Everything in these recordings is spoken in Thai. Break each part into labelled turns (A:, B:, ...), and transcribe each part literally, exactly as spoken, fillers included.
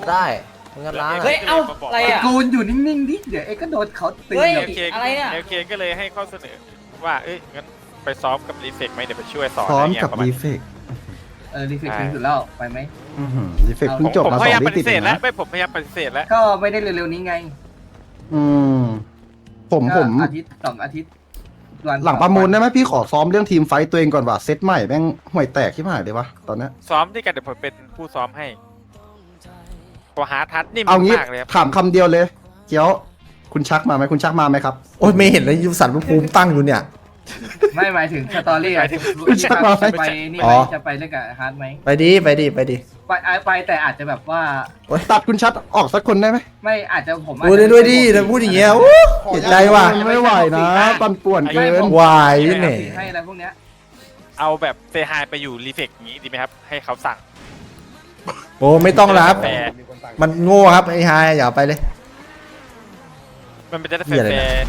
A: ได้งัดร้าน
B: เฮ้ยเอ้าอะไรอ่ะ
C: กูนอยู่นิ่งๆดิเดี๋ยวเอ็กก็โดนเขาตี
B: เฮ้ย
D: โอเค
B: อะไรเนี่ย
D: โอเคก็เลยให้ข้อเสนอว่าเอ้ยงั้นไปซ้อมกับรีเฟกไหมเดี๋ยวไปช่วยสอน
E: ซ้อม
D: ะไรเงี้ย
E: กับ
D: ประมาณ
E: รี
D: นี้
E: เฟก
C: เออรีเฟกถึงสุดแล้วไปไหม
E: รีเฟก
C: เอา
E: เพิ่งจบ
D: ผม
E: มา
D: พ
E: สอย
D: ายาม
E: ง
D: ป
E: วิติ
D: ฏิเสธ
E: ด
D: แล้ว
E: นะ
D: ไม่ผมพยายามปฏิเสธแล้ว
C: ก็ไม่ได้เร็วๆนี้ไง
E: อืมผม
C: ก็
E: ผม
C: อาทิตย์สองอาทิตย์วัน
E: หลังประมูลได้ไหมพี่ขอซ้อมเรื่องทีมไฟต์ตัวเองก่อนว่ะเซตใหม่แม่งห่วยแตกที่หายเลยวะตอนเนี้ย
D: ซ้อมด้วยกันเดี๋ยวผมเป็นผู้ซ้อมให้พอหาทัดนี่
E: เอางี้
D: มากเลยครับ
E: ถามคำเดียวเลยเกี้ยวคุณชักมาไหมคุณชักมาไหมครับ
A: โอ้ยไม่เห็นเลยยูสันภูมิตั้งอยู่เนี่ย
C: ไม่หมายถึงสตอรี่อะ
E: ไม่ใช่
C: จะไปนี่
A: อ๋
C: ไหม
A: อ
C: จะไปเล่นกับฮาร์ดไหม
A: ไปดีไปดีไปดี
C: ไปอ่ะไปแต่อาจจะแบบว่า
E: ตัดคุณชัดออกสักคนได้ไหม
C: ไม่อาจจะผมอาจ
A: ดู
C: จะ
A: ด้วยด้วยดิแต่พูดอย่างเงี้ยโอ้เห็นใจว่ะ
E: ไม่ไหวนะปันป่วนเกิน
A: วายเนี่ย
C: ให้อะไรพวกเนี้ย
D: เอาแบบเซฮายไปอยู่รีเฟกอย่างนี้ดีไหมครับให้เขาสั่ง
A: โอ้ไม่ต้องรับ
D: แฟร์
A: มันโง่ครับไอ้ฮายอย่าไปเลย
D: มันเป็นจะได้
A: เหี้ยอะไร
D: แฟ
A: นะ
D: ร์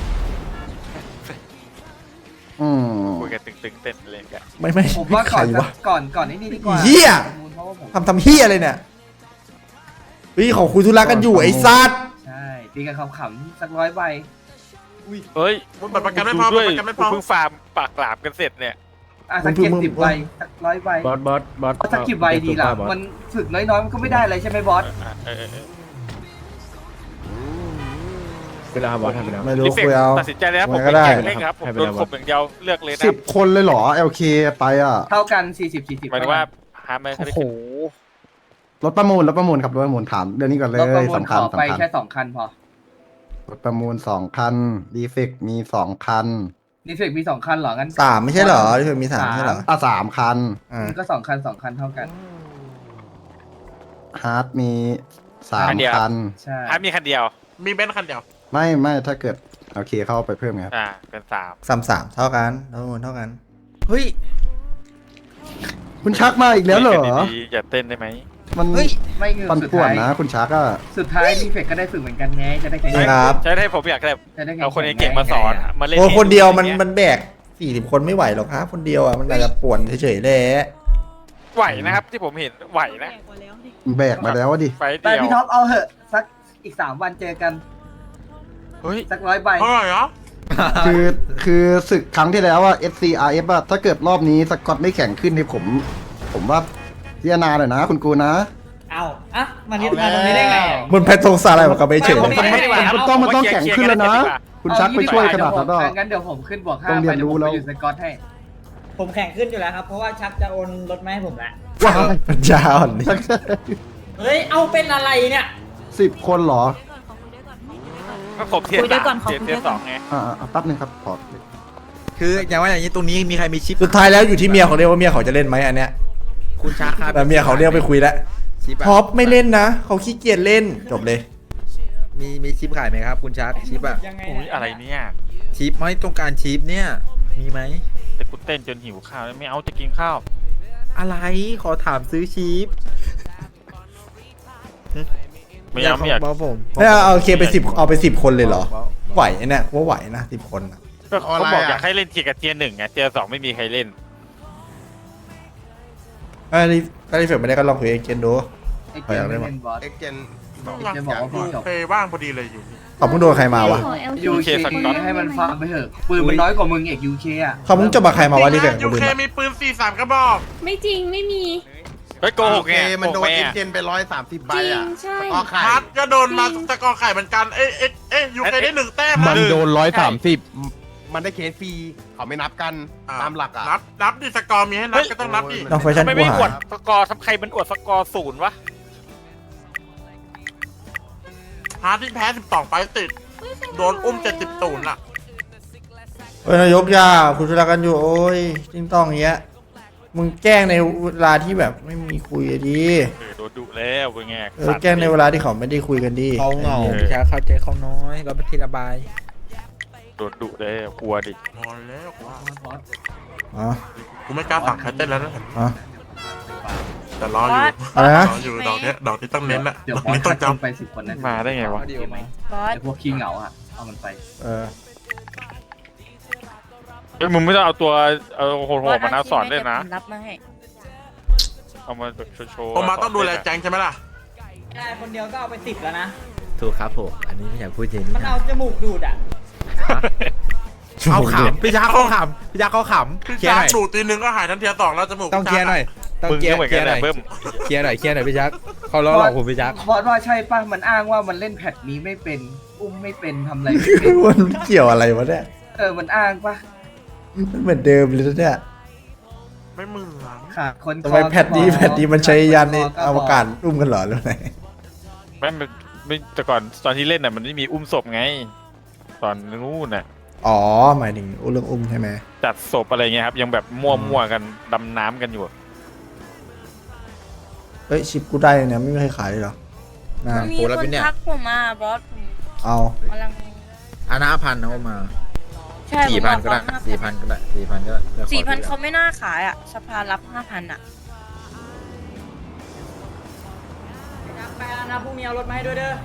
E: อืม
D: คุยกันตึงๆเต้นอะไรกัน
A: ไม่ไม่
C: ผมว่า
A: ใค
C: ก่
A: ร
C: อน
A: วะ
C: ก่อนก่อนนี้นี่ดีกว่า
A: เหี้ย
C: เพราะว่าผม
A: ทำทำเฮียอะไรเนี่ยเฮ้ยของคุยธุระกันอยู่ไอ้ซัด
C: ใช่ตีกันขำๆสักร้อยใบ
D: เฮ้ย
F: บัตรประกันไม่พอ
D: ด้วย
F: บัตรประกันไม่พอ
D: เพิ่งฟาร์มปากหลามกันเสร็จเนี่ย
C: อ่ะสักเจ็ดสิบใบสักร้อยใบบ
G: อสบอสบอส
C: สักกี่ใบดีล่ะมันฝึกน้อยๆมันก็ไม่ได้เลยใช่ไหมบอส
D: เออเออเออ
G: เวลาบอสทำไปแล้ว
A: ไม่รู้
D: รีเฟก
A: คุยเอา
D: ตัดสินใจแล้วผม
A: มันก็
D: ไม่
A: ได้
D: เก่งเล่นครับผม
G: ให้ไป
D: โดน
G: แล้ว
D: ข่มอย่างเดียวเลือกเลยนะ
E: สิบคนเลยเหรอ แอล เค ไปอ่ะ
C: เท่ากันสี่สิบสี่สิบ
D: หมายถึงว่าหาไม่
A: โอ้
D: ได้
A: โห
E: รถประมูลรถประมูลครับรถประมูลถามเรื่องนี้ก่อนเล
C: รถประ
E: ย
C: มูล
E: สำ
C: ข
E: คัญ
C: อไป
E: สำคัญ
C: แค่สองคันพอ
E: รถประมูลสองคันรีเฟกมีสองคัน
C: รีเฟกมีสองคันเหรองั้น
A: สามไม่ใช่เหรอที่มีสามไม่ใช่เหรอ
E: อ่ะสามคัน
A: อ่า
C: มันก็สองคันสองคันเท่ากัน
E: ฮาร์ดมีสามคัน
C: ใช่
D: หามีคันเดียว
F: มีเบนซ์คันเดียว
E: ไม่ไม่ถ้าเกิดโอเคเข้าไปเพิ่มไงครับ
D: อ่าเป็นสาม
A: สามสามเท่ากันทั้งหมดเท่ากัน
B: เฮ้ย
E: คุณชักมาอีกแล้วเหรอ
D: คุยกันดีๆอย่าเต้นได้ไหม
E: มัน
B: เฮ้ย
C: ไม่คือ
E: ปัน
C: สุด
E: ป่วน
C: ท้าย
E: นะ คุณชักอ่ะ
C: สุดท้ายรีเฟกก็ได้ฝึกเหมือนกันไงจะได้แข่ง
A: ใช่ครับ
D: ใช่ให้ผมอยากแบบ
C: จะได้แข่ง
D: เอาคนเก่งๆมาสอนมาเล่น
A: โอ้คนเดียวมัน
D: ให้
A: มันแบกสี่สิบคนไม่ไหวหรอกครับคนเดียวอ่ะมันอาจจะป่วนเฉยๆแหละ
D: ไหวนะครับที่ผมเห็นไหวนะ
E: แบกมาแล้วอะดิ
D: ไฟ
C: แต่
D: เดียว
C: พี่ท็อปเอาเหอะสักอีกสามวันเจอกัน
D: เฮ้ย
C: สักร้อยใบ
F: เท่าไหร่เหรอ
E: คือคือศึกครั้งที่แล้วอะ เอส ซี อาร์ เอฟ อะถ้าเกิดรอบนี้สกอตไม่แข่งขึ้นนี่ผม ผมว่าพิจารณาหน่อยนะ คุณกูนะ
B: เอาอ่ะมันยึดมาตรงนี้ได้ไงอ่ะ
A: มันแพทงสาอะไรกับไปเฉย
B: ไม่ไม่ไม่
E: มันต้องมันต้องแข่งขึ้นแล้วนะ คุณชักไปช่วยขนาดนั้น
C: เอ
E: อะ
C: งี้ดีกว่างั้นเดี๋ยวผมขึ้นบวกห้า
E: ต้องเรี
C: ไป
E: ยน
C: เดี๋ยว
E: รู้
C: ผม
E: แล้
C: ไป
E: ว
C: อยู่สกอตให้
B: ผมแข่งขึ้นอยู่แล้วครับ เพราะว่าชักจะโอนรถมาให้ผมแล้ว
E: ว้าว
A: ปัญญาอ่อนนี่
B: เฮ้ย เอาเป็นอะไรเนี่ย
E: สิบคนเหรอ
D: ก็ครบเทียร์
H: คุยด้วยก่อน
D: สาม
H: ขอคุย
D: เทีย
H: ด้วย
D: ร์
H: ก่
D: ส
H: อน
D: องไง
E: อ่าอ่าแป๊บนึงครับขอ
I: คืออย่างว่าอย่างนี้ตรงนี้มีใครมีชิป
A: สุดท้ายแล้วอยู่ที่เมียเขาเรียกว่าเมียเขาจะเล่นไหมอันเนี้ย
I: คุณชาครับ
A: แต่เมียเขาเรียกไปคุยแล้ว
I: ชิปอะ
A: ท็อปไม่เล่นนะเขาขี้เกียจเล่นจบเลย
I: มีมีชิปขายไหมครับ คุณชาร์ชิปอะ
B: ยังไง
D: โอ้ยอะไรเนี่ย
I: ชิปไม่ต้องการชิปเนี่ยมีไหม
D: แต่กูเต้นจนหิวข้าวแล้วไม่เอาจะกินข้าว
I: อะไรขอถามซื้อชิป
D: ไม่เอาไม่อยาก
I: บอกผม
A: ไม่เอาเอาโอเคไปสิบเอาไปสิบคนเลยเหรอไหวเนี่ยว่าไหวนะสิบคนอะ
D: ก็เขาบอกอยากให้เล่นเทียร์กับเทียร์หนึ่งไงเทียร์สองไม่มีใครเล่น
A: เอ้ยถ้ารีเฟรชไม่ได้ก็ลองคุยเองเกนดู
C: ไอ้เกมไม่เป็นบอส
F: เอ็กเจน
C: จะบอกว่าพี่จบ
F: เคยว่างพอดีเลยอยู่
A: เขาเพิ่งโดนใครมาวะ
C: ยูเคให้มันฟังไปเถอะปืนมันน้อยกว่ามึงเอกยูเคอ่ะ
A: เขาเพิ่งจะมาใครมาวะรีเฟรช
F: ยู
A: กูลืม
F: เค
A: อะ
F: มีปืนสี่สามกระบอก
H: ไม่จริงไม่มี
D: เฮ้ยโกหกไง
F: มันโดน
D: โกหก
F: เอ็
D: แม่
F: กเจนไปร้อยสามสิบใบ
H: จริง
F: อ่ะ
H: ใช่
F: ก็ไข่ฮัทก็โดนมาสกอร์ไข่เหมือนกัน เอ้ยเอ้ยเอ้ยยูเคได้หนึ่งแต้ม
G: มันโดนร้อยสามสิบ
F: มันได้เคสฟรีเขาไม่นับกันตามหลักอ่ะ นับนับดิสกอร์มีให้นับก็ต้องนับดิ
A: น้องแฟชั่น
D: ไม่
A: กู
D: ไม่อว
A: หา
D: ด
A: ย
D: สกอร์ทำใครมันอวดสกอร์ศูนย์วะ
F: ฮาร์ดที่แพ้สิบสองไฟต์ติด โดนอุ้มเจ็ดสิบตูนย์อ่ะ
A: เฮ้ยนายกยาคุณธุระกันอยู่โอ้ยจริงต้องอย่างเงี้ยมึงแกล้งในเวลาที่แบบไม่มีคุยอะดี
D: เออโดนดุแล้วเป็นไง
A: เออแกล้งในเวลาที่เขาไม่ได้คุยกันดี
I: เขาเหงาคุณชาเข้าใจเขาน้อยเราไปทีละใบ
D: โดนดุแล้วกลัวดิ
F: นอนแล้วกูว่า
A: อ๋อ
F: กูไม่กล้าสั่งใครเต้นแล้วนะ
A: อ๋อ
F: แต่รออยู่
A: อะไรนะ
F: รออยู่ดอกเนี้ยดอกที่ต้องเน้นอะ
C: เดี๋ยว
F: ดอก
C: บอส
F: นี้ต้อง
C: จำ
F: จำ
C: ไปสิบคนนะ
D: มาได้ไงวะ
C: โอเคไหม
H: บอส
C: ไอ้พวกขี้เหงาอ่ะเอามันไป
A: เออ
D: เฮ้ยมึงไม่ต้องเอาตัวเอาโหดๆมานะสอนเล่นนะ
H: รับมาให้
D: เอามาแบบโชว์ๆ
F: ผมมาต้องดูแลแจงใช่ไหมล่ะ
B: ได้คนเดียวก็เอาไปสิบแล้วนะ
I: ถูกครับผมอันนี้ไม่อยากพูดเยอะ
B: มันเอาจมูกดูดอ่ะ
I: เอาขำพี่ชักเขาขำพี่ชักเขาขำ
F: พี่
I: เคลียร์
F: ชา
I: หน่อย
F: ดูดตีนึงก็หายทันทีสองแล้วจมูก
I: ต้องเคลียร์หน่อยต้อง
D: มึง
I: เคลีย
D: ก็
I: ร์
D: เหมือน
I: เคลี
D: กั
I: ย
D: น
I: ร์ห
D: แห
I: น่อย
D: ละเบิ้ม
I: เคลียร์หน่อยเคลียร์หน่อยพี่ชักเขาล้อหลอกผมพี่ชัก
C: บอสว่าใช่ป่ะมันอ้างว่ามันเล่นแพทนี้ไม่เป็นอุ้มไม่เป็นทำอะไรไม่เป็น
A: มันเกี่ยวอะไรวะเนี่ย
C: เออมันอ้างป่ะ
A: มันเหมือนเดิมเลยนะเนี่ย
F: ไม่เหมือน
C: ขาดคน
A: ทำไมแพทนี้
C: คอ
A: แพทนี้มันใช้ยานใน
C: คก็
A: อวกาศรุ่มกันเหรอหรือไง
D: ไม่มันไม่แต่ก่อนตอนที่เล่นน่ะมันไม่มีอุ้มศพไง ตอนนู้นน่ะ
A: อ๋อหมายถึงเรื่องอุ้มใช่ไหม
D: จัดศพอะไรเงี้ยครับยังแบบมั่วๆกันดำน้ำกันอยู่
A: เฮ้ยชิปกูได้เนี่ยไม่มีใครขายเลยเหรอน่า
H: มีคนทักผมมาบอสผม
A: เอา
H: กำลัง
I: อานาพันเอามา
H: ใช่
I: สี่พันก็ได้สี่พันก็ได้สี่พันก็ได้ดี๋ยวขอ
H: สี่พัน
I: ดู
H: เขาไม่น่าขายอ่ะสภารับห้าพันอ่ะ
B: ไปแล้วนะพรุ่งนี้เอารถมาให้ด้วยเด้อ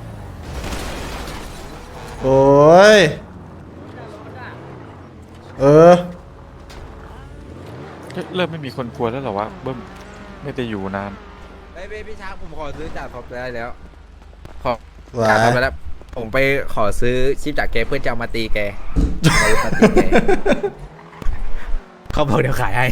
A: โอ้ยเออ
D: เฮ้ยเริ่มไม่มีคนกลัวแล้วเหรอวะเบิ้มไม่ได้อยู่นาน
I: เฮ้ยพี่ชักผมขอซื้อจากท็อปได้แล้วขอ
A: สวย
I: จากท็อปไปแล้วผมไปขอซื้อชิปจากแกเพื่อจะเอามาตีแกเอามาตีแกเขาบอกเดี๋ยวขายให้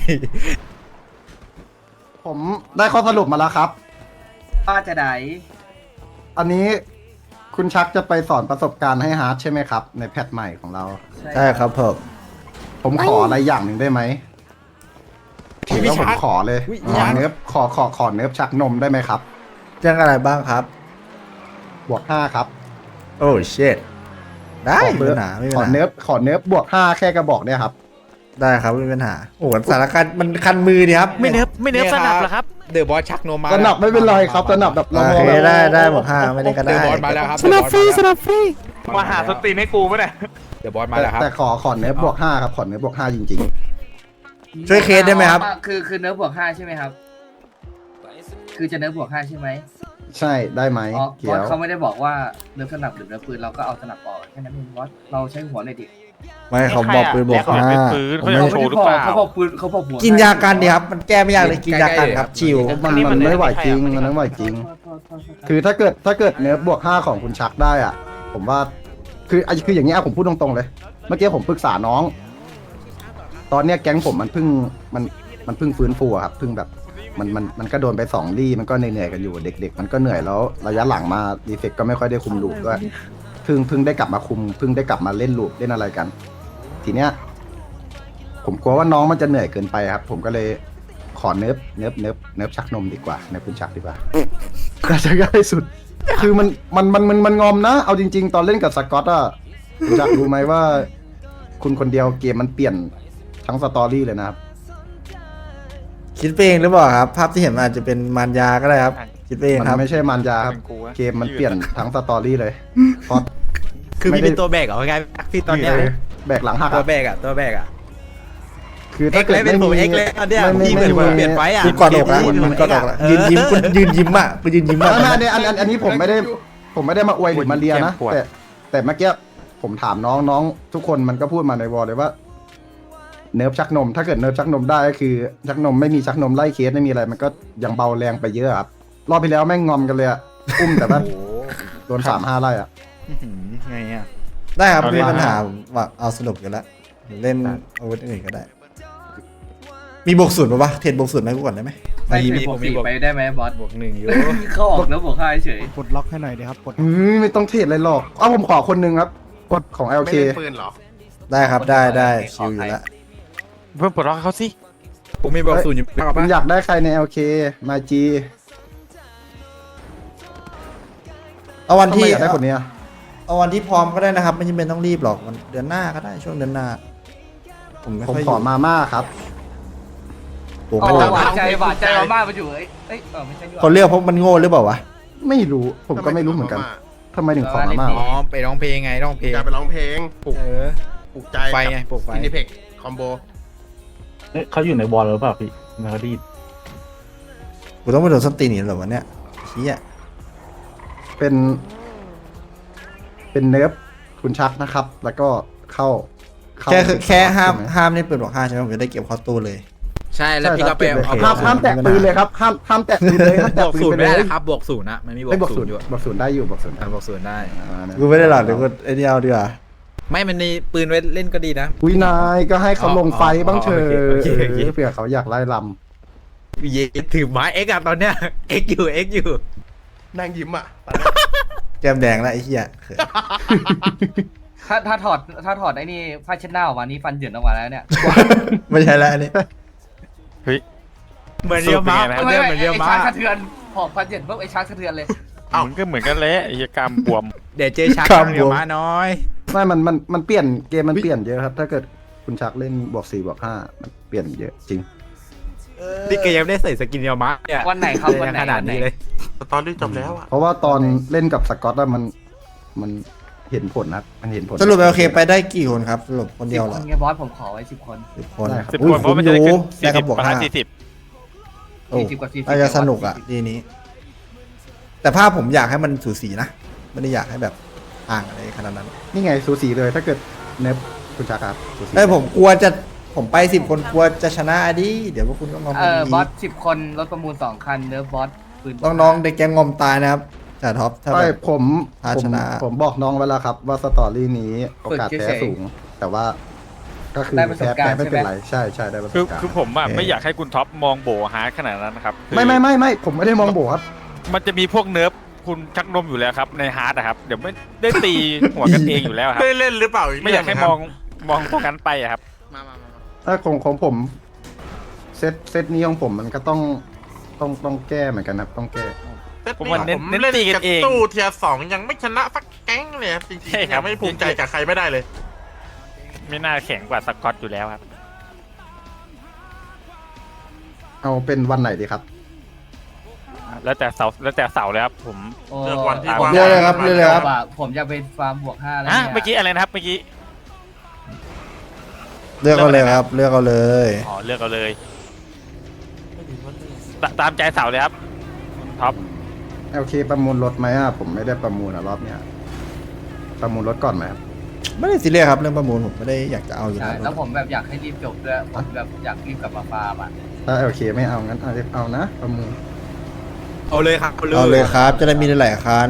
E: ผมได้ข้อสรุปมาแล้วครับ
C: ว่าจะไหน
E: อันนี้คุณชักจะไปสอนประสบการณ์ให้ฮาร์ดใช่ไหมครับ ในแพทใหม่ของเรา
A: ใช่ครับผม
E: ผมขออะไรอย่างหนึ่งได้ไหมถือว่าผมขอเลยขอเนิร์ฟขอขอขอเนิร์ฟชักนมได้ไหมครับ
A: เรื่องอะไรบ้างครับ
E: บวกห้าครับ
A: โอ้เชิดได้
E: ขอ
A: ไม่มี
E: เบิร์
A: ปัญหาไม่มี
E: ขอ
A: ปัญหา
E: เนิร์ฟขอเนิร์ฟบวกห้าแค่กระบอกเนี่ยครับ
A: ได้ครับไม่มีปัญหาโอ้โหสถานการณ์มันคันมือดีครับ
I: ไม่เนิบไม่เนิบสนับหรอครับเดอะบอสชักนมมา
E: สนับไม่เป็นไรครับสนับแบบ
A: โอเคได้ได้บอกห้าไม่ได้ก็
I: เด
A: ได้
I: อะบอสมาแล้วครับ
G: สนับฟรีสนับฟรี
D: มาหาสตรีนให้กูปะเนี่ย
I: เดอะบอสมา
E: แต่
I: แล้วครับ
E: แต่ขอขอเนิร์ฟบวกห้าครับขอเนิร์ฟบวกห้าจริง
A: ช่วยเคสได้ไหมครับ
C: คือคือเนื้อบวกห้าใช่ไหมครับ คือจะเนื้อบวกห้าใช่ไหม
E: ๆ ใช่ได้ไหม
C: อ๋อ
E: เขี
C: บอ
E: ย
C: ส
E: ว
C: เขาไม่ได้บอกว่าเนื้อสนับหรือเนื้อปืนเราก็เอาสนับออกแค่นั้นเองบอสเราใช้หัวเลยดิ
A: ไม่เขาบอกปืนบอกห้า
D: เป็นปืน
A: ผม
D: เขา
A: ไม่
D: จะโชว์หรือเปล่า
C: เขาบอกปืนเขาบอกหัว
A: กินยากันดีครับ มันแก้ไม่ยากเลยกินยากันครับชิว
E: มันมันไม่ไหวจริงมันไม่ไหวจริง คือถ้าเกิดถ้าเกิดเนิร์ฟบวกห้าของคุณชักได้อ่ะ ผมว่า คือไอ้คืออย่างเงี้ยผมพูดตรงๆเลย เมื่อกี้ผมปรึกษาน้อง ตอนเนี้ยแก๊งผมมันเพิ่งมันมันเพิ่งฟื้นฟูอะครับเพิ่งแบบมันมันมันก็โดนไปสองลี่มันก็เหนื่อยๆกันอยู่เด็ก ๆ มันก็เหนื่อยแล้วระยะหลังมาดีเฟกก็ไม่ค่อยได้คุมลูปด้วยเพิ่งเพิ่งได้กลับมาคุมเพิ่งได้กลับมาเล่นลูปเล่นอะไรกัน ทีเนี้ยผมกลัวว่าน้องมันจะเหนื่อยเกินไปครับ ผมก็เลยขอเนิร์ฟเนิร์ฟเนิร์ฟเนิร์ฟชักนมดีกว่าเนิร์ฟคุณชักดีกว่าก็จะง่ายสุด คือมันมันมันมันมันงอมนะ เอาจริง ๆ ตอนเล่นกับสกอตอะคุณชักรู้ไหมว่า คุณคนเดียวเกมมันเปลี่ยนทั้งสตอรี่เลยนะครับ
A: คิดไปเองหรือเปล่าครับ ภาพที่เห็นมันอาจจะเป็นมารยาก็ได้ครับ คิดไปเอง
E: มัน
A: ครับ
E: ไม่ใช่มันยาครับ
D: เป็นกูวะ
E: เกมมันเปลี่ยนทั้งสตอรี่เลยเพราะ
I: คือ
E: ไม่
I: พี่
E: ได้
I: เป็นตัวแบกเหรอไงพี่ตอนเนี้ย
E: เออแบกหลังหัก
I: ตัว
E: อะ
I: แบกอ่ะตัวแบกอ่ะ
E: คือ
I: เอ็
E: ถ้าก เกิ
I: เล
E: ด
I: ยเป็นผมเอ็กเลยอันเนี้ย
E: ไม่
I: พี่เหมือน
E: ไม่
I: เปลี่ยนไฟอ่ะ
A: กูกอดอกละมันกอดอกละยืนยิ้มคุณยืนยิ้มอ่ะคุณยืนยิ้ม
E: ไม่
A: อ่ะ
E: ไม่อันนี้อันอันอันนี้ผมไม่ได้ ผมไม่ได้มาอวยหรือมาเลียนะ แต่แต่เมื่อกี้ผมถามน้องน้องทุกคนมันก็พูดมาในวอลเลยว่า เนิร์ฟชักนม ถ้าเกิดเนิร์ฟชักนมได้ก็คือชักนมไม่มีชักนมไล่เคสไม่มีอะไร มันก็ยังเบาแรงไปเยอะครับรอบที่แล้วแม่งงอมกันเลยอะอุ้มแต่ว่า
I: โอ้โห
E: โดนสามห้าไล่อะ
I: อื้อหือไงอ่ะ
A: ได้ครับ
D: เอา
A: ไม่
D: ดิ
A: มีปัญหาว่าเอาสนุกอยู่แล้วเล่นอาวุธอื่นก็ได้ มีบวกศูนย์ปะวะเทรดบวกศูนย์ไหมกูก่อนได้ไหม
C: ใส่บวกสี่ไปได้ไหมบอส
I: บวกหนึ่งอยู่
C: เขาออกเนื้อบวกห้าเฉย
G: ปลดล็อกให้หน่อยดีครับปลด
E: อืมไม่ต้องเทรดอะไรหรอกเอาผมขอคนหนึงครับกดของ
F: ไม่
E: แอล เค
F: เล่นปืนเหรอ
A: ได้ครับได้ได้ชิวอยู่แล้ว
D: เพิ่มปลดล็อกให้เขาสิ
I: ผมมีบวกศูนย์อยู่มากกว่า
E: คุณ
I: ปะ
E: อยากได้ใครใน แอล เค มาจี
A: เอาวัน
E: ทำไม
A: ที่
E: อยากได้คนเนี้ย
A: เอาวันที่พร้อมก็ได้นะครับ ไม่จำเป็นต้องรีบหรอกวันเดือนหน้าก็ได้ช่วงเดือนหน้า ผมไม่
E: ผม
A: ค่อยอ
E: ขอยู่ มาม่าครับ
A: โอ้
C: อ๋
A: โห
C: อหวานใจหวานใจมาม่ามาอยู่เอ้ยเอ้ยเออไม่ใช่ด้วย
A: คนเลือกเพราะมันโง่หรือเปล่าวะ
E: ไม่รู้ผมก็ไม่รู้เหมือนกันทำไมถึงขอมาม่า
I: อ๋อไปร้องเพลงไงร้องเพลง
F: อยากไปร้องเพลงปลุก
I: เออ
F: ปลุกใจ
I: ไฟไงปลุกไฟ
F: อินิเพ็กคอมโบ
G: เขาอยู่ในบอลหรือเปล่าพี่นารีด
A: กูต้องไปโดนส้นตีนอีกเหรอวะเนี่ยเชี้อ่ะ
E: เป็น เป็นเนิร์ฟคุณชักนะครับ แล้วก็เข้าเข้า
A: แค่คือแค่ห้าม
E: ใช่ไ
A: ห้ามเล่นปืนบอกห้าใช่ไหมผมจะได้เก็บเข้าตู้เลย
I: ใช่แล้ว
E: ใช่
I: พี่
E: ค
I: ก็
E: รับ
I: ไป
E: เก็บเลย
I: เอา
E: ห้ามห้ามแตะปืนเลยครับห้ามห้ามแตะปืนเลยห้าม
I: บ
E: แตะ
I: วก
E: ปืน
I: ศูน
E: ไป
I: ย์
E: เล
I: ไม่ได้
E: ย
I: นะครับบวกศูนย์นะมันมีบว
E: ไม่บว
I: ก
E: ก
I: ศู
E: ศู
I: น
E: น
I: ย์
E: ย์
I: อยู่
E: บวกศูนย์ได้อยู่บวกศูนย์
I: อ่าบวกศูนย์ได้
E: อ่านะ
A: กูไม่ได้หรอกเดี๋ยวกูไอ้นี่เอาดีกว่า
I: ไม่มันมีปืนไว้เล่นก็ดีนะ
E: อุ้ยนายก็ให้เขาลงไฟบ้างเถอะ
I: โอเคโอเคโอเค
E: เผื่อเขาอยากไล่ล
I: เยถือไม้เอ็กอะตอนเนี้ยเอ็กอยู่เอ็กอยู่
F: นั่งยิ้มอ่ะ
A: แก้มแดงแล้วไอ้เหี้ยเขิน
C: ถ้าถ้าถอดถ้าถอดไอ้นี่ผ้าเช็ดหน้าออกมานี่ฟันเหยินออกมาแล้วเนี่ย
A: ไม่ใช่แล้วอันนี้
D: เฮ้ย
I: เหมือนเรียวม้า
D: สูตรเป็นไงนะ
I: เหมือนเรียวม้า
C: ไอ้ช้างสะเทือนหอบฟันเหยินปุ๊บไอ้ช้างสะเทือนเลย
D: มันก็เหมือนกันแหละไอ้เหี้ยกรามบวม
I: เดี๋ยวเจอชักเรียวม้าน้อย
E: ำไม่มันมันมันเปลี่ยนเกมมันเปลี่ยนเยอะครับ ถ้าเกิดคุณชักเล่นบวกสี่บวกห้ามันเปลี่ยนเยอะจริง
I: นี่แกยังไม่ได้ใส่สกินเรียวม้าเนี่ย
C: วันไหนครับวันไหน
I: ขนาดนี้เลย
F: ตอนนี้จบแล้วอ่ะ
E: เพราะว่าตอนเล่นกับสกอตอะมันมันเห็นผลนะครับมันเห็นผล
A: สรุปโอเคไปได้กี่คนครับสรุปคน
C: สิ
A: เดี
C: บ
A: ยวเห
C: ค
A: รอน
C: ไงบอสผมขอไว้สิบคน
A: สิบคน
E: ได้ครับ
D: สิบ
A: อุ้
D: ค
A: ย
D: นเพราะ
A: คุ้ม
D: มัน
A: อ
D: จะได้
A: ยู่
D: ขึ้น
A: ได้
D: สี่
A: กั
D: สิ
A: บบ วก
D: ประ
A: ห้า
D: มาณสี่สิบ
A: โอ้
C: สี่สิบกว่าสี่สิบ
A: น่าจะสนุกอ่ะทีนี้ แต่ภาพผมอยากให้มันสูสีนะไม่ได้อยากให้แบบห่างอะไรขนาดนั้น
E: นี่ไงสูสีเลยถ้าเกิดเนฟคุณชักครับสูสี
A: ไอ้ยผมกลัวจะผมไปสิบคนกลัวจะชนะดิเดี๋ยวพวกคุณก็งอม
C: เอ
A: กัน
C: อ
A: อี
C: บอส
A: ก
C: สิบคนรถประมูลสองคันเนิร์ฟบอสปืน
A: น้องๆเด็กแกงงอมตายนะครับจ่าท็อปถ้าแบ
E: ไม่
A: บ
E: ผม
A: พา
E: ผม
A: ชนะ
E: ผมบอกน้องไว้แล้วครับ ว่าสตอรี่นี้โอกาสแพ้สูง แต่ว่าก็คือแพ้แพ้ไม่เป็นไรใช่ใช่ได้ประส
D: คือบ
E: การณ์
D: คือผมอ่ะ
A: เออ
D: ไม่อยากให้คุณท็อปมองโบฮาร์ดขนาดนั้นนะครับคือ
E: ไม่ไม่ไม่ไม่ผมไม่ได้มองโบครับ
D: มันจะมีพวกเนิร์ฟคุณชักนมอยู่แล้วครับในฮาร์ดอะครับเดี๋ยวไม่ได้ตีหัวกันเองอยู่แล้วครับ
F: ได้เล่นหรือเปล่า
D: ไม่อยากให้มองมองพวกนั้นไปอะครับ
E: ถ้าของของผมเซตเซตนี้ของผมมันก็ต้องต้องต้องแก้เหมือนกันครับต้องแก้
D: ผมว่าเน้น
F: ผม
D: เน้น
F: เล่น
D: ตีกัน
F: กับ
D: เอง
F: ตู้เทียร์สองยังไม่ชนะสักแก๊งเลยครับจริง
D: ใช่
F: ๆ
D: ครั
F: ยั
D: บ
F: งไม่ภูมิใจกับใครไม่ได้เลย
D: ไม่น่าแข็งกว่าสกอตอยู่แล้วครับ
E: เอาเป็นวันไหนดีครับ
D: แล้วแต่เสาแล้วแต่เสาเลยครับผม
C: โอ้
F: เลือกวันที่
D: ตาม
F: ว่าง
A: เลือกเลยครับเลือกเลยครับ
C: ว่าผมจะไปฟาร์มบวกห้าแล้ว
D: อ่ะ
C: เนี่ย
D: เมื่อกี้อะไรนะครับเมื่อกี้
A: เลือกเอาเลยครับ เลือกเอาเลย
D: อ๋อเลือกเอาเลยตตามใจเสาเลยครับท็อป
E: โอเคประมูลรถไหมอ่ะผมไม่ได้ประมูลอ่ะรอบเนี้ยประมูลรถก่อนไหมครับ
A: ไม่ได้ซีเรียสครับเรื่องประมูลผมไม่ได้อยากจะเอาอยู่
C: ใช่
A: แล้ว
C: แล้วผมแบบอยากให้รีบจบด้วยผมแบบอยากรีบกลับมาฟาร์มอ่ะ
E: ถ้าโอเคไม่เอางั้นเอาเอานะประมูล
I: เอาเลยครับ
A: เอาเลยครับ จะได้มีหลายๆคัน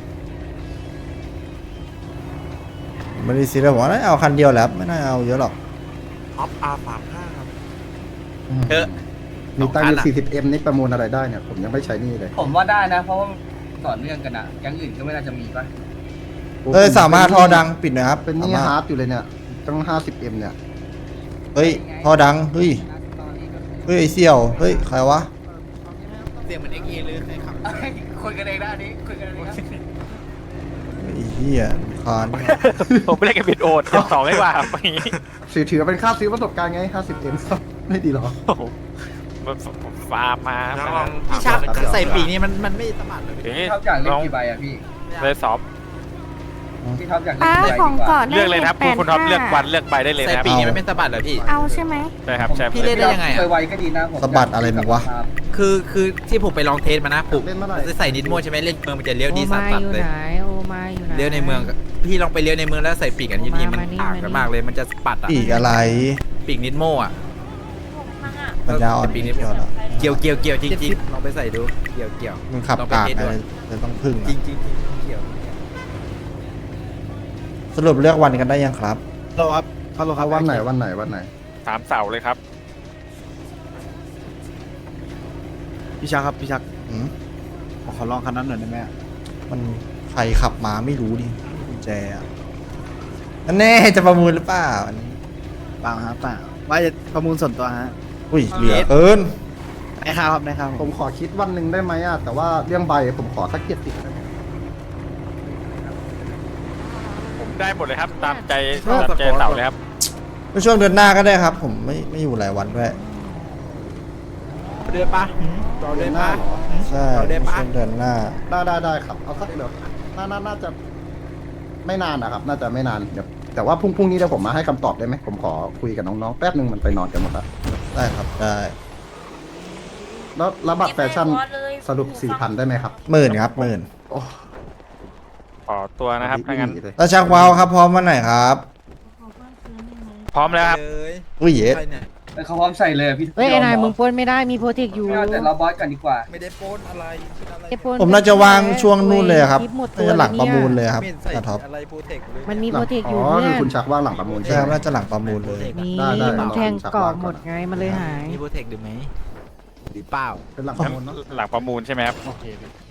A: ไม่ได้ซีเรียสผมว่าน่าเอาคันเดียวแหล้วไม่น่าเอาเยอะหรอก
F: ท็อปอาร์สามห้าครับ
I: เออ
E: มีตังค์อยู่
I: สองพันอะ
E: สี่สิบเอ็มนี่ประมูลอะไรได้เนี่ยผมยังไม่ใช้หนี่เลย
C: ผมว่าได้นะ เพราะว่าต่อเนื่องกันอ่ะแก๊งอื่นก็ไม่น่าจะมีป่ะ
A: เอ้ยสามารถท่อดังปิดหน่อยครับ
E: เป็นหนี่
A: สามารถ
E: ฮาร์ดอยู่เลยเนี่ยต้องห้าสิบเอ็มเนี่ย
A: เฮ้ยท่อดังเฮ้ยเฮ้ยไอเสี่ยวเฮ้ยใครวะ
I: เสียงเหมือนเอ็กเอเลยใครขับ
C: คุยกันเองนะอันนี้คุยกันเองนะ
A: ไอ้เหี้ยคาน
D: ผมไม่ได้กับบิดโอดเก็บสองได้กว่าครับอย่างนี้
E: ถือถือเป็นค่าซื้อประสบการณ์ไงห้าสิบเอ็มไม่ดีหรอ
D: โอ้โหผมฟาร์มมา
F: แล้ว
D: มา
F: ลองถาม
I: พี่ชัก
F: น้อง
I: ใส่ปีกนี่มันมันไม่สมัครเลย
D: เอ๊ะ
C: พี่ท็อปอยากเล่
D: ล
C: น
D: อง
C: กี่ใบอ่ะพี่
D: เลยสอบ
C: พี่ท็อปอยากเล่น
J: อ่า
C: กี่ใบ
J: ของ
C: ดีก
J: ก่อ
C: ว่าน
D: เลือกเลยนะครับคุณคุณท็อปเลือกวันเลือกใบได้เลย
I: ใส่
D: นะครับ
I: ปีกนี่มันไม่สะบัดเหรอพี่
J: เอาใช่ไหม
D: ใช่ครับใช่
I: พี่เล่นได้ยังไงอะ
C: เคยไวก็ดีนะผม
A: สะบัดอะไรมึงวะ
I: คือคือที่ผมไปลองเทสมานะปลุก
E: เล่นเมื่อไหร่
I: จะใส่นิดโม่ใช่ไหมเล่นเมืองมันจะเลี้ยวดี
J: โอ
I: สั
J: มา
I: ส
J: อยู่
I: ๆเลย
J: ไหนโอมาอยู่ไหน
I: เลี้ยวในเมืองก็พี่ลองไปเลี้ยวในเมืองแล้วใส่ปีกอันนี้ทีมัน
J: มานี่
I: ต่างกัน
J: มานี่
I: มากเลยมันจะปัดอะ
A: อีกอะไร
I: ปีกนิดโม่อะ
A: ปัญญาอ่อน
I: ปีกนิด
A: เกี่ยวเหรอ
I: เกี่ยวเกี่ยวเกี่ยวจริงๆลองไปใส่ดูเกี่ยวเกี่ยว
A: มึงขับ
I: ลองไป
A: กาก
I: เทส
A: อะไร
I: ดู
A: จะต้องพึ่ง
I: จริ
A: อะ
I: งๆจริงๆเกี่ยว
A: สรุปเลือกวันกันได้ยังครับ
E: เราครับเขาวันไหนวันไหนวันไหน
D: สามเสาเลยครับ
G: พี่ชักครับพี่ชัก
A: อืม
G: ขอลองคันนั้นหน่อยได้ไหม
A: มันใครขับมาไม่รู้ดิกุญแจอะอันแน่จะประมูลหรือเปล่าอันนี้
G: เปล่าฮะเปล่าว่าจะประมูลส่วนตัวฮะ
A: อุ้ยเหลือเกิน
G: ได้ครับครับได้ครับ
E: ผมขอคิดวันหนึ่งได้ไหมอ่ะแต่ว่าเรื่องใบผมขอสักเจ็ดสิบได้ไหม
D: ผมได้หมดเลยครับ ตามใจตามใจเสาเลยครับ
A: ในช่วงเดือนหน้าก็ได้ครับ ผมไม่ไม่อยู่หลายวันด้วย
I: เดือนปะเราเดือนปะ
A: ใช่
I: เอาได้
A: ใน
I: ปะ
A: ช่วงเดือนหน้า
E: ได้ได้ได้ครับเอาสักเดี๋ยวน่าน่าน่าจะไม่นานนะครับ น่าจะไม่นานเดี๋ยวแต่ว่าพรุ่งพรุ่งนี้เดี๋ยวผมมาให้คำตอบได้ไหมผมขอคุยกับน้องๆแป๊บหนึ่งมันไปนอนกันหมดแล้ว
A: ได้ครับได้
E: แล้วแล้วบัตรแฟชั่นสรุปสี่พันได้ไหมครับ
A: หมื่นครับหมื่น
E: โอ้
D: ขอตัวนะครับถ้างั้น
E: เลย
A: แล้วชักว้าวครับพร้อมวันไหนครับ
D: พร้อมแล้วครับ
I: เลย
A: อุ้ยเย็ด
I: ใครเนี่ย
C: เอเขาพร้อมใส่เลยพี่
J: เฮ้ยไอ้นายมึงปล้นไม่ได้มีโปรเทคอยู่
C: ไม่เอาแต่เราบอสกันดีกว่า
I: ไม่ได้ปล้นอะไร
J: ไอ้ปล้
A: ผมน่าจะวางช่วงนู่นเลยครับ
J: คลิปหมดตั
A: น่าว จะหลังประมูลเลยครับ
I: ไม่เห็นใส่
A: อาท็อป
I: อะไรโปรเทคเลย
J: มันมีโปรเทคอยู่
E: อ๋อ
J: เพื่
E: คือ
J: อ
E: คุณ
J: น
E: ชักว่างหลังประมูล
A: ใช่
E: ใช่
A: ครับ
E: ไหม
A: น่าจะหลังประมูลเลย
J: มี
E: ได้ได้
J: มันแทง
E: ลอง
J: กรอบ
E: ชัก
J: หมดไงมันเลยหาย
I: มีโปรเทคหรือไหมหรือเปล่า
E: เป็นหลังประมูลเนาะ
D: หลังประมูลใช่ไหมครับ
G: โอเคพี่